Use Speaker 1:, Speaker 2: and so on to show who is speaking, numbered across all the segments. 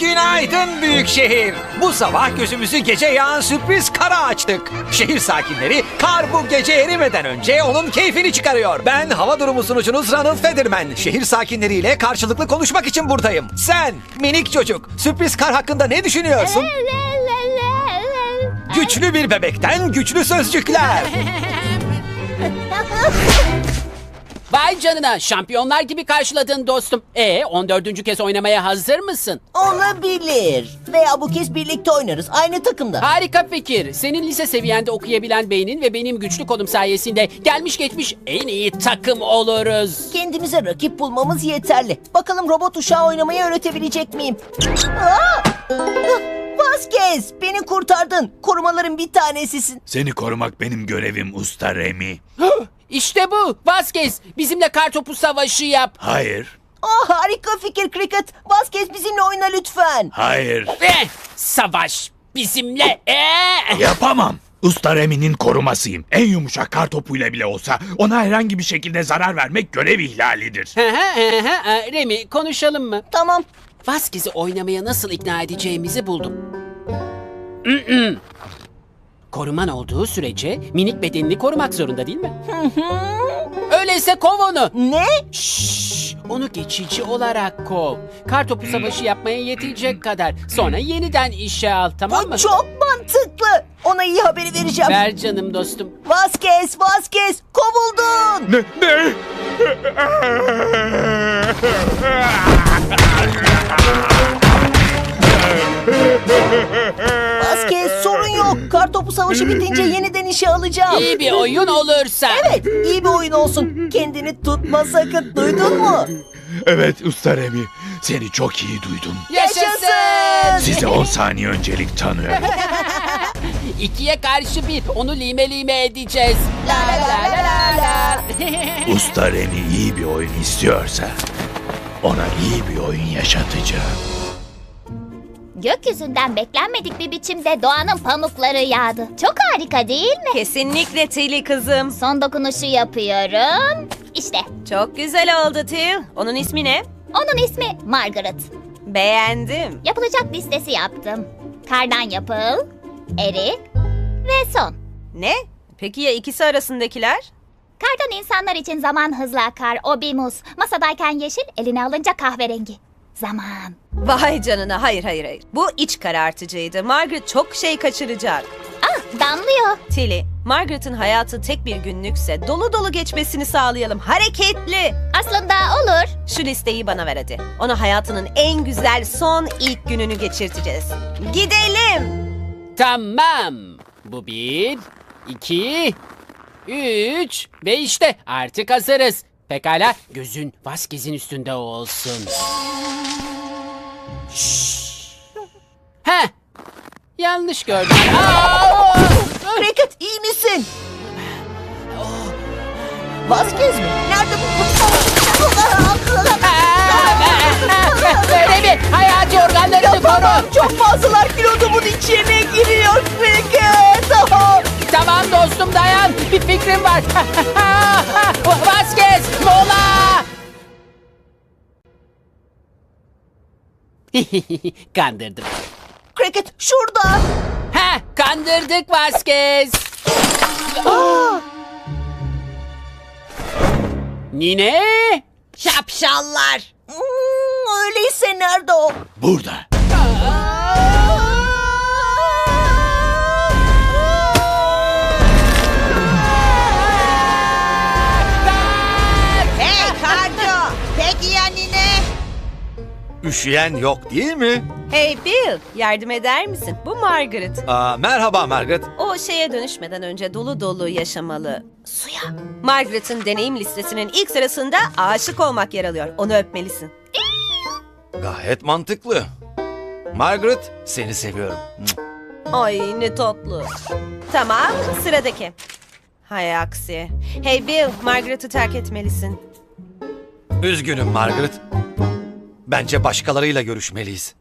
Speaker 1: Günaydın büyük şehir. Bu sabah gözümüzü gece yağan sürpriz kara açtık. Şehir sakinleri kar bu gece erimeden önce onun keyfini çıkarıyor. Ben hava durumu sunucunuz Ronald Federman. Şehir sakinleriyle karşılıklı konuşmak için buradayım. Sen minik çocuk sürpriz kar hakkında ne düşünüyorsun? Güçlü bir bebekten güçlü sözcükler.
Speaker 2: Vay canına, şampiyonlar gibi karşıladın dostum. 14. kez oynamaya hazır mısın?
Speaker 3: Olabilir. Veya bu kez birlikte oynarız. Aynı takımda.
Speaker 2: Harika fikir. Senin lise seviyende okuyabilen beynin ve benim güçlü kolum sayesinde gelmiş geçmiş en iyi takım oluruz.
Speaker 3: Kendimize rakip bulmamız yeterli. Bakalım robot uşağı oynamayı öğretebilecek miyim? Aa! Vasquez, beni kurtardın. Korumaların bir tanesisin.
Speaker 4: Seni korumak benim görevim Usta Remy.
Speaker 2: İşte bu. Vazgeç. Bizimle kartopu savaşı yap.
Speaker 4: Hayır,
Speaker 3: Harika fikir Cricket. Vasquez bizimle oyna lütfen.
Speaker 4: hayır.
Speaker 2: Savaş bizimle.
Speaker 4: Yapamam. Usta Remy'nin korumasıyım. En yumuşak kar topuyla bile olsa ona herhangi bir şekilde zarar vermek görev ihlalidir.
Speaker 2: Remy, konuşalım mı?
Speaker 3: Tamam.
Speaker 2: Vasquez'i oynamaya nasıl ikna edeceğimizi buldum. Koruman olduğu sürece minik bedenini korumak zorunda değil mi? Öyleyse kov onu.
Speaker 3: Ne?
Speaker 2: Şşş, onu geçici olarak kov. Kartopu savaşı yapmaya yetecek kadar. Sonra yeniden işe al, tamam mı?
Speaker 3: Bu çok mantıklı. Ona iyi haberi vereceğim.
Speaker 2: Ver canım dostum.
Speaker 3: Vasquez, kovuldun.
Speaker 4: Ne?
Speaker 3: Vasquez, sorun yok. Kartopu savaşı bitince yeniden işe alacağım.
Speaker 2: İyi bir oyun olursa.
Speaker 3: Evet, iyi bir oyun olsun. Kendini tutma sakın. Duydun mu?
Speaker 4: Evet Usta Remy, seni çok iyi duydum.
Speaker 2: Yaşasın!
Speaker 4: Size 10 saniye öncelik tanıyorum.
Speaker 2: 2'ye karşı 1. Onu lime lime edeceğiz. La la la la la.
Speaker 4: Usta Remy iyi bir oyun istiyorsa ona iyi bir oyun yaşatacağım.
Speaker 5: Gökyüzünden beklenmedik bir biçimde doğanın pamukları yağdı. Çok harika değil mi?
Speaker 6: Kesinlikle Tilly kızım.
Speaker 5: Son dokunuşu yapıyorum. İşte
Speaker 6: Çok güzel oldu Till. Onun ismi ne?
Speaker 5: onun ismi Margaret.
Speaker 6: Beğendim.
Speaker 5: Yapılacak listesi yaptım. Kardan yapıl, eri ve son.
Speaker 6: Ne? Peki ya ikisi arasındakiler?
Speaker 5: Kardan insanlar için zaman hızla akar. O bir muz. Masadayken yeşil, eline alınca kahverengi. Zaman.
Speaker 6: Vay canına, hayır. Bu iç karartıcıydı. Margaret çok şey kaçıracak.
Speaker 5: Damlıyor.
Speaker 6: Tilly, Margaret'ın hayatı tek bir günlükse dolu dolu geçmesini sağlayalım. Hareketli.
Speaker 5: Aslında olur.
Speaker 6: Şu listeyi bana ver hadi. Ona hayatının en güzel son ilk gününü geçirteceğiz. Gidelim.
Speaker 2: Tamam. Bu 1, 2, 3 ve işte artık hazırız. Pekala, gözün Vasquez'in üstünde olsun. Şşş. Heh. Yanlış gördüm.
Speaker 3: Cricket, iyi misin? Vasquez mi? Nerede bu?
Speaker 2: Böyle bir hayati organlarını koru.
Speaker 3: Çok fazlalar kilodumun içine giriyor Cricket.
Speaker 2: Tamam dostum, dayan. Bir fikrim var. Vasquez, mola. Kandırdım.
Speaker 3: Cricket, şurada.
Speaker 2: Kandırdık Vasquez. Nine?
Speaker 6: Şapşallar.
Speaker 3: Öyleyse nerede o?
Speaker 4: Burada.
Speaker 6: Hey Kardo. Peki ya nine?
Speaker 1: Üşüyen yok değil mi?
Speaker 6: Hey Bill, yardım eder misin? Bu Margaret.
Speaker 1: Merhaba Margaret.
Speaker 6: O şeye dönüşmeden önce dolu dolu yaşamalı. Suya. Margaret'ın deneyim listesinin ilk sırasında aşık olmak yer alıyor. Onu öpmelisin.
Speaker 1: Gayet mantıklı. Margaret, seni seviyorum.
Speaker 6: Ay ne tatlı. Tamam, sıradaki. Hay aksi. Hey Bill, Margaret'ı terk etmelisin.
Speaker 1: Üzgünüm Margaret. Bence başkalarıyla görüşmeliyiz.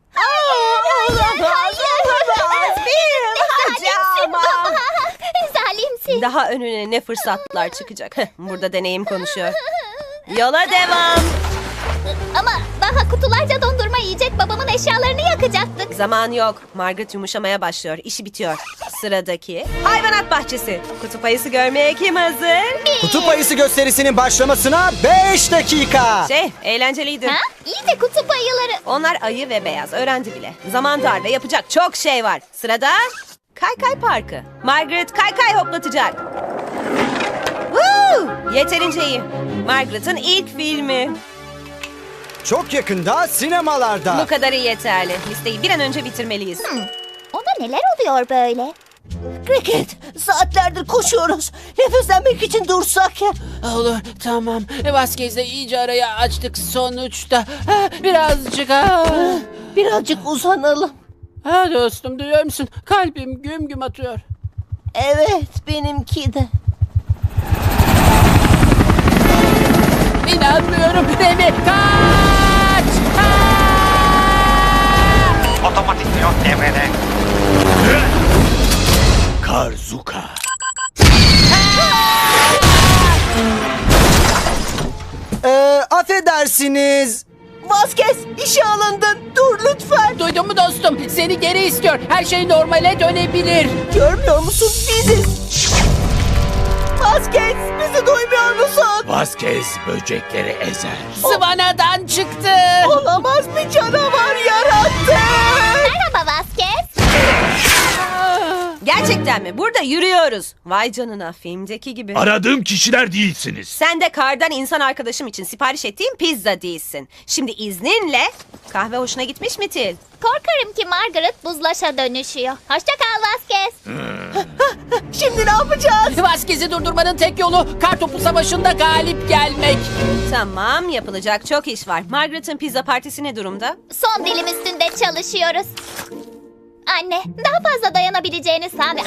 Speaker 5: Zalimsin.
Speaker 6: Daha önüne ne fırsatlar çıkacak. Burada deneyim konuşuyor. Yola devam.
Speaker 5: Ama daha kutularca dondurma yiyecek babamın eşyalarını yakacak.
Speaker 6: Zaman yok. Margaret yumuşamaya başlıyor. İşi bitiyor. Sıradaki hayvanat bahçesi. Kutup ayısı görmeye kim hazır?
Speaker 7: Kutup ayısı gösterisinin başlamasına 5 dakika.
Speaker 6: Eğlenceliydi.
Speaker 5: Ha? İyi de kutup ayıları.
Speaker 6: Onlar ayı ve beyaz. Öğrendi bile. Zaman dar ve yapacak çok şey var. Sırada Kaykay Parkı. Margaret kaykay hoplatacak. Woo! Yeterince iyi. Margaret'ın ilk filmi.
Speaker 7: Çok yakında sinemalarda.
Speaker 6: Bu kadarı yeterli. Listeyi bir an önce bitirmeliyiz.
Speaker 5: Ona neler oluyor böyle?
Speaker 3: Cricket, saatlerdir koşuyoruz. Nefeslenmek için dursak ya.
Speaker 2: Olur, tamam. Vasquez'le iyice arayı açtık sonuçta. Birazcık
Speaker 3: Birazcık uzanalım.
Speaker 2: Dostum, duyuyor musun? Kalbim güm güm atıyor.
Speaker 3: Evet, benimki de.
Speaker 2: İnanmıyorum. Remi, kaç!
Speaker 1: Otomatik pilot devrede.
Speaker 4: Karzuka.
Speaker 7: Affedersiniz.
Speaker 3: Vasquez, işe alındın. Dur lütfen.
Speaker 2: Duydun mu dostum? Seni geri istiyor. Her şey normale dönebilir.
Speaker 3: Görmüyor musun? Biziz. Vasquez, bizi duymuyor musun?
Speaker 4: Vasquez böcekleri ezer.
Speaker 2: Sıvanadan çıktı.
Speaker 3: Olamaz, bir canavar yarattı.
Speaker 5: Merhaba Vasquez.
Speaker 6: Gerçekten mi? Burada yürüyoruz. Vay canına, filmdeki gibi.
Speaker 4: Aradığım kişiler değilsiniz.
Speaker 6: Sen de kardan insan arkadaşım için sipariş ettiğim pizza değilsin. Şimdi izninle kahve hoşuna gitmiş mi Til?
Speaker 5: Korkarım ki Margaret buzlaşa dönüşüyor. Hoşça kal Vasquez.
Speaker 3: Şimdi ne yapacağız?
Speaker 2: Vasquez'i durdurmanın tek yolu kartopu savaşında galip gelmek.
Speaker 6: Tamam, yapılacak çok iş var. Margaret'ın pizza partisi ne durumda?
Speaker 5: Son dilim üstünde çalışıyoruz. Anne, daha fazla dayanabileceğini sandı.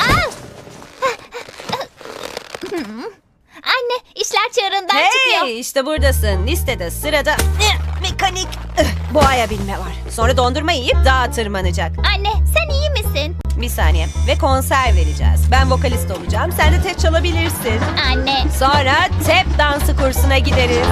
Speaker 5: Anne, işler çığırından çıkıyor.
Speaker 6: Hey, işte buradasın. Listede sırada mekanik boğaya binme var. Sonra dondurma yiyip dağa tırmanacak.
Speaker 5: Anne, sen iyi misin?
Speaker 6: Bir saniye. Ve konser vereceğiz. Ben vokalist olacağım. Sen de tep çalabilirsin.
Speaker 5: Anne,
Speaker 6: Sonra tep dansı kursuna gideriz.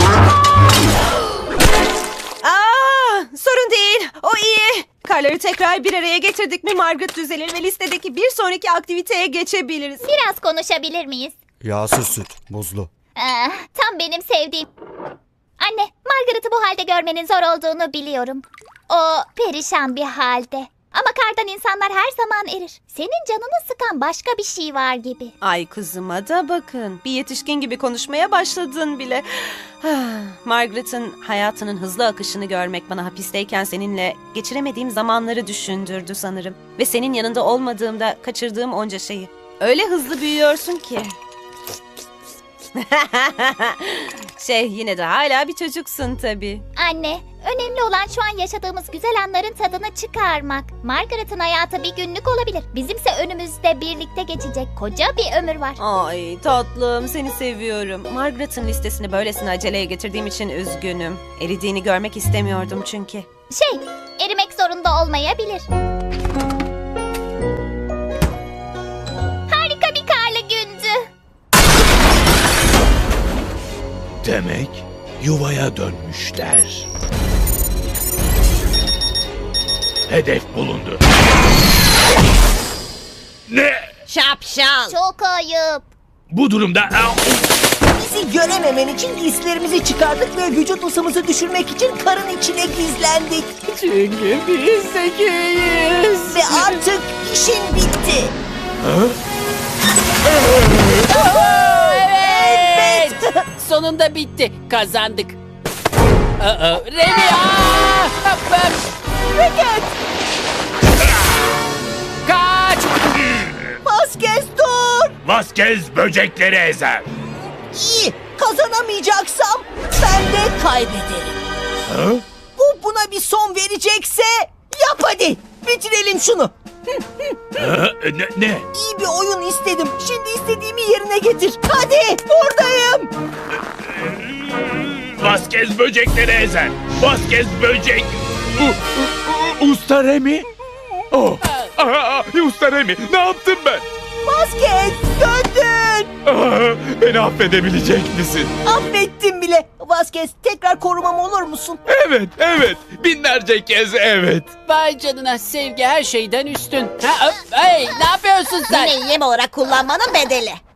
Speaker 6: Sorun değil. O iyi. Karları tekrar bir araya getirdik mi Margaret düzelir ve listedeki bir sonraki aktiviteye geçebiliriz.
Speaker 5: biraz konuşabilir miyiz?
Speaker 7: Yağsız süt, buzlu.
Speaker 5: Tam benim sevdiğim. Anne, Margaret'ı bu halde görmenin zor olduğunu biliyorum. O perişan bir halde. Ama kardan insanlar her zaman erir. Senin canını sıkan başka bir şey var gibi.
Speaker 6: Ay kızıma da bakın. Bir yetişkin gibi konuşmaya başladın bile. Margaret'ın hayatının hızlı akışını görmek bana hapisteyken seninle geçiremediğim zamanları düşündürdü sanırım. Ve senin yanında olmadığımda kaçırdığım onca şeyi. Öyle hızlı büyüyorsun ki. Yine de hala bir çocuksun tabii.
Speaker 5: Anne, önemli olan şu an yaşadığımız güzel anların tadını çıkarmak. Margaret'ın hayatı bir günlük olabilir. Bizimse önümüzde birlikte geçecek koca bir ömür var.
Speaker 6: Ay tatlım, seni seviyorum. Margaret'ın listesini böylesine aceleye getirdiğim için üzgünüm. Eridiğini görmek istemiyordum çünkü.
Speaker 5: Erimek zorunda olmayabilir. Harika bir karlı gündü.
Speaker 4: Demek yuvaya dönmüşler. Hedef bulundu. Ne?
Speaker 6: Şapşal.
Speaker 5: Çok ayıp.
Speaker 4: Bu durumda...
Speaker 3: Bizi görememen için giysilerimizi çıkardık ve vücut ısımızı düşürmek için karın içine gizlendik.
Speaker 2: Çünkü biz zekiyiz.
Speaker 3: Ve artık işin bitti.
Speaker 2: Evet. Sonunda bitti. Kazandık. Remi!
Speaker 3: Cricket,
Speaker 2: Kaç!
Speaker 3: Vasquez dur.
Speaker 4: Vasquez böcekleri ezer.
Speaker 3: İyi, kazanamayacaksam ben de kaybederim. Buna bir son verecekse yap hadi. Bitirelim şunu.
Speaker 4: Ne?
Speaker 3: İyi bir oyun istedim. Şimdi istediğimi yerine getir. Hadi, buradayım.
Speaker 4: Vasquez böcekleri ezer. Vasquez böcek... Usta Remi? Usta Remi, ne yaptım ben?
Speaker 3: Vasquez, döndün. Hayır.
Speaker 4: Beni affedebilecek misin?
Speaker 3: Affettim bile. Vasquez, tekrar korumam olur musun?
Speaker 4: Evet. Binlerce kez evet.
Speaker 2: Vay canına, sevgi her şeyden üstün. Ha, hey, ne yapıyorsun sen?
Speaker 8: Yine yem olarak kullanmanın bedeli.